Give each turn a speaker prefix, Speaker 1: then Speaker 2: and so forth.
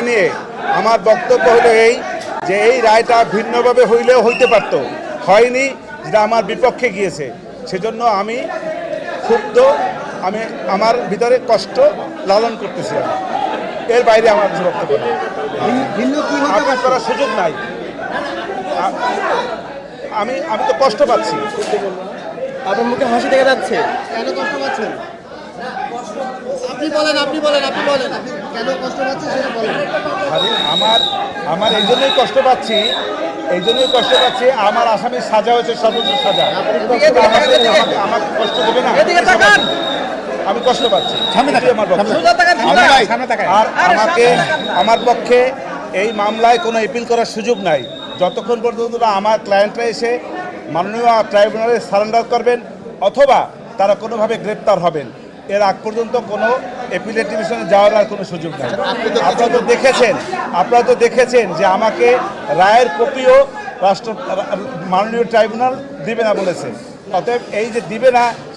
Speaker 1: রায় নিয়ে আমার বক্তব্য হলো এই যে এই রায়টা ভিন্নভাবে হইলেও হইতে পারতো, হয়নি, যেটা আমার বিপক্ষে গিয়েছে। সেজন্য আমি ক্ষুব্ধ, আমি আমার ভিতরে কষ্ট লালন করতেছি। এর বাইরে আমার কিছু বক্তব্য নেই। আপিল করার সুযোগ নাই। আমি আমি তো কষ্ট পাচ্ছি।
Speaker 2: আপনার মুখে হাসি দেখা যাচ্ছে।
Speaker 3: কেন কষ্ট পাচ্ছেন? আপনি বলেন কেন কষ্ট পাচ্ছেন সেটা বলেন।
Speaker 1: আমার এই জন্যই কষ্ট পাচ্ছি, আমার আসামির সাজা হয়েছে সর্বোচ্চ সাজা। আমাকে কষ্ট দেবে না, আমি কষ্ট পাচ্ছি। আর আমার পক্ষে এই মামলায় কোনো অ্যাপিল করার সুযোগ নাই যতক্ষণ পর্যন্ত না আমার ক্লায়েন্টরা এসে মাননীয় ট্রাইব্যুনালে সারেন্ডার করবেন অথবা তারা কোনোভাবে গ্রেপ্তার হবেন। এর আগ পর্যন্ত কোনো অ্যাপিলেট ডিভিশনে যাওয়ার আর কোনো সুযোগ নেই। আপনারা তো দেখেছেন যে আমাকে রায়ের কপিও মাননীয় ট্রাইব্যুনাল দিবে না বলেছে। অতএব এই যে দিবে না,